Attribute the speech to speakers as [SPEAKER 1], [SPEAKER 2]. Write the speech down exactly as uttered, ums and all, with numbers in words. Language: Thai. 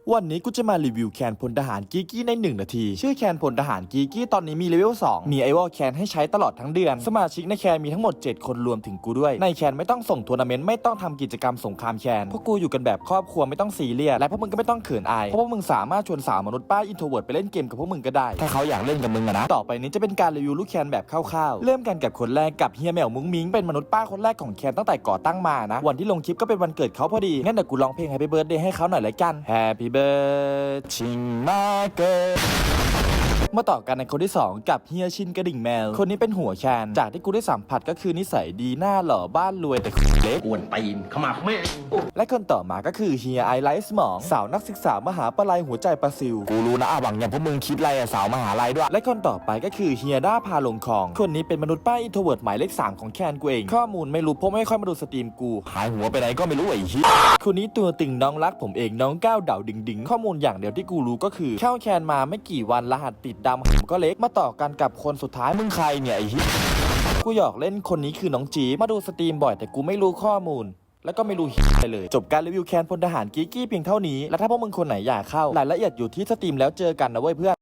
[SPEAKER 1] วันนี้กูจะมารีวิวแคนพลทหารกีกี้ในหนึ่งนาทีชื่อแคนพลทหารกีกี้ตอนนี้มีเลเวลสองมีไอวอลแคนให้ใช้ตลอดทั้งเดือนสมาชิกในแคนมีทั้งหมดเจ็ดคนรวมถึงกูด้วยในแคนไม่ต้องส่งทัวร์นาเมนต์ไม่ต้องทำกิจกรรมสงครามแคนพวกกูอยู่กันแบบครอบครัวไม่ต้องซีเรียสและพวกมึงก็ไม่ต้องเขินอายเพราะพวกมึงสามารถชวนสาวมนุษย์ป้าอินโทรเวิร์ดไปเล่นเกมกับพวกมึงก็ได้ถ้าเขาอยากเล่นกับมึงอะนะต่อไปนี้จะเป็นการรีวิวลูกแคนแบบคร่าวๆเริ่มกันกับคนแรกกับเฮียแมวมุ้งมิ้งเป็นมนุษย์ป้าคนแรกของแคนตั้งแต่ก่อตั้งมานะวันที่ลงคลิปก็เป็นวันเกิดเขาพอดีงั้นเดี๋ยวกูร้องเพลง Happy Birthday ให้เขาหน่อยละกัน Happy Birthdayมาเกิดมาต่อกันในคนที่สองกับเฮียชินกระดิ่งแมวคนนี้เป็นหัวแคนจากที่กูได้สัมผัสก็คือนิสัยดีหน้าหล่อบ้านรวยแต่เล็ก
[SPEAKER 2] กวนตีนขมับแม่ง
[SPEAKER 1] และคนต่อมาก็คือเฮียไอไลท์สมองสาวนักศึกษามหาปลัยหัวใจปลาซิวกูรู้นะอาหวังอย่างพวกมึงคิดไรอะสาวมหาลัยด้วยและคนต่อไปก็คือเฮียด้าพาลงคลองคนนี้เป็นมนุษย์ป้าอินโทรเวิร์ดหมายเลขสามของแคนกูเองข้อมูลไม่รู้เพราะไม่ค่อยมาดูสตรีมกูหายหัวไปไหนก็ไม่รู้ไอ้เหี้ยคนนี้ตัวตึงน้องรักผมเองน้องก้าวเดาดิ่งดิ่งข้อมูลอย่างเดียวที่กูรู้ก็คือเข้าแคนมาไม่กี่วันรหัสติดดำผมก็เล็กมาต่อกันกับคนสุดท้ายมึงใครเนี่ยไอ้เหี้ยกูหยอกเล่นคนนี้คือน้องจีมาดูสตรีมบ่อยแต่กูไม่รู้ข้อมูลแล้วก็ไม่รู้อะไรเลยจบการรีวิวแคนพลทหารกีกี้เพียงเท่านี้แล้วถ้าพวกมึงคนไหนอยากเข้ารายละเอียดอยู่ที่สตรีมแล้วเจอกันนะเว้ยเพื่อน